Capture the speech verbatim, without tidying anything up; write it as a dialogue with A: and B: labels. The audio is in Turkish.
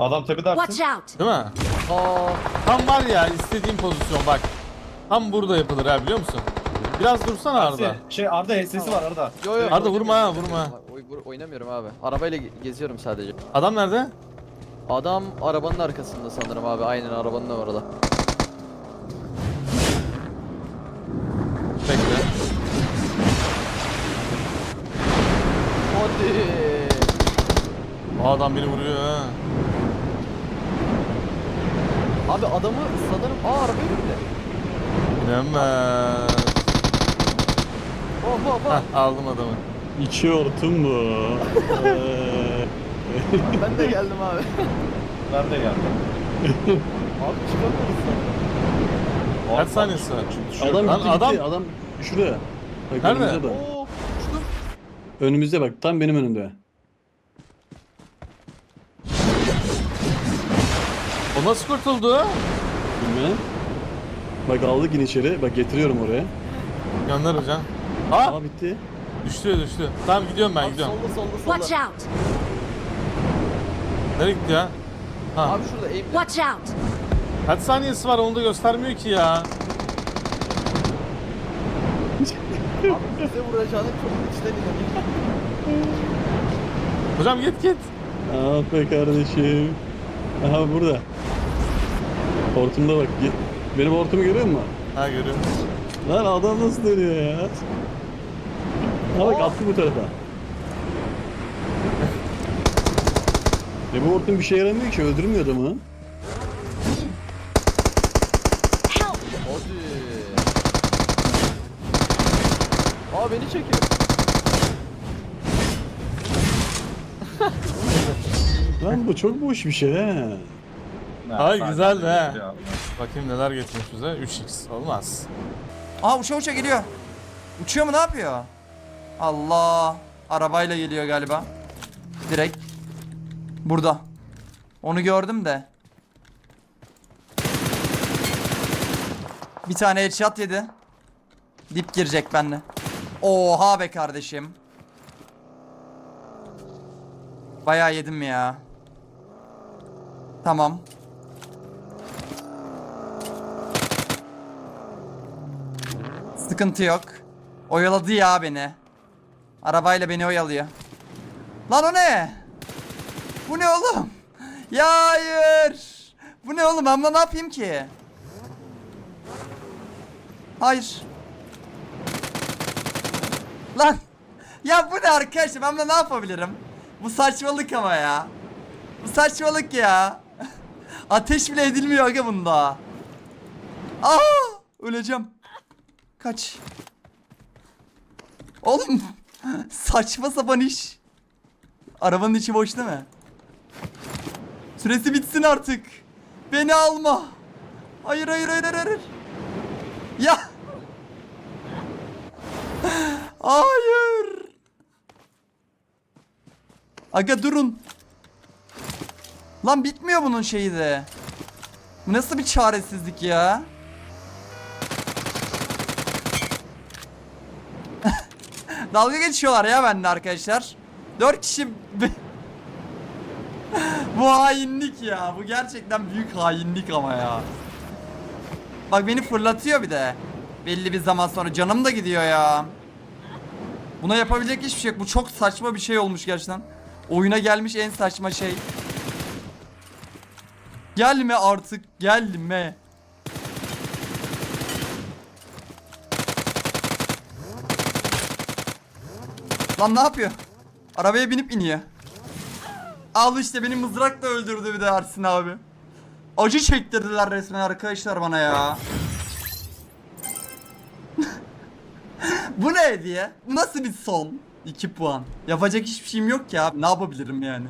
A: Adam tepede
B: Watch
A: atsın.
B: out!
C: Değil mi?
D: Aa,
C: Tam var ya istediğim pozisyon bak. Tam burada yapılır ha biliyor musun? Biraz dursana Arda.
A: Şey Arda H S'si var Arda.
D: yo yo.
C: Arda vurma ha, vurma.
D: Oy, vur- oynamıyorum abi. Arabayla ge- geziyorum sadece.
C: Adam nerede?
D: Adam arabanın arkasında sanırım abi. Aynen arabanın orada.
C: Bekle.
D: Hadi.
C: O adam beni vuruyor ha.
D: Abi adamı sanırım... Aa arabayı bindi.
C: İnanmaz.
D: Hop hop hop.
C: Hah aldım adamı.
E: İçi hortum bu. Eee,
D: Ben de geldim abi.
A: Ben de geldim.
D: Abi çıkamıyoruz sanırım.
C: Kaç saniyesi var?
E: adam
C: Lan
E: gitti
C: adam-
E: gitti. Adam şuraya. Bak
C: Nerede?
E: önümüze bak.
D: Oo, uçtum.
E: Önümüzde bak. Tam benim önümde.
C: O nasıl kurtuldu?
E: Bilmem. Bak aldık yine içeri. Bak getiriyorum oraya.
C: Gönder hocam. Ha?
E: Aa bitti.
C: Düştü düştü. Tamam gidiyorum ben
D: Abi
C: gidiyorum.
D: solda solda
B: Watch
D: solda.
B: out!
C: Nereye gitti ya? Ha.
D: Abi şurada aim'de.
B: Watch out!
C: Kaç saniyesi var onu da göstermiyor ki ya.
D: Abi bize vuracağını çok içten inanıyorum.
C: Hocam git git.
E: Ah be kardeşim. Aha burada. Hortumda bak. Ge- Benim hortumu görüyor musun?
C: Ha görüyorum.
E: Lan adam nasıl dönüyor ya? Ha bak attı bu tarafa. E bu hortum bir şey yaramıyor ki, öldürmüyor adamı.
B: Help!
D: Hadi. Aa beni çekiyor.
E: Lan bu çok boş bir şey he.
C: Ay güzel be. Bakayım neler getirmiş bize. üç x olmaz.
F: Aa uça uça geliyor. Uçuyor mu, ne yapıyor? Allah. Arabayla geliyor galiba. Direkt. Burada. Onu gördüm de. Bir tane headshot yedi. Dip girecek benimle. Oha be kardeşim. Bayağı yedim ya. Tamam. Sıkıntı yok. Oyaladı ya beni. Arabayla beni oyalıyor. Lan o ne? Bu ne oğlum? Ya hayır. Bu ne oğlum? Ben buna ne yapayım ki? Hayır. Lan. Ya bu ne arkadaşlar? Ben buna ne yapabilirim? Bu saçmalık ama ya. Bu saçmalık ya. Ateş bile edilmiyor aga bunda. Aa! Öleceğim. Kaç. Oğlum saçma sapan iş. Arabanın içi boş değil mi? Süresi bitsin artık. Beni alma. Hayır hayır hayır hayır. hayır. Ya. Hayır. Aga durun. Lan bitmiyor bunun şeyi de. Bu nasıl bir çaresizlik ya? Dalga geçiyorlar ya bende arkadaşlar. Dört kişi... Bu hainlik ya. Bu gerçekten büyük hainlik ama ya. Bak beni fırlatıyor bir de. Belli bir zaman sonra canım da gidiyor ya. Buna yapabilecek hiçbir şey yok. Bu çok saçma bir şey olmuş gerçekten. Oyuna gelmiş en saçma şey. Gelme artık, gelme. Lan ne yapıyor? Arabaya binip iniyor. Al işte, beni mızrakla öldürdü bir de Ersin abi. Acı çektirdiler resmen arkadaşlar bana ya. Bu ne diye? Bu nasıl bir son? iki puan. Yapacak hiçbir şeyim yok ya. Ne yapabilirim yani?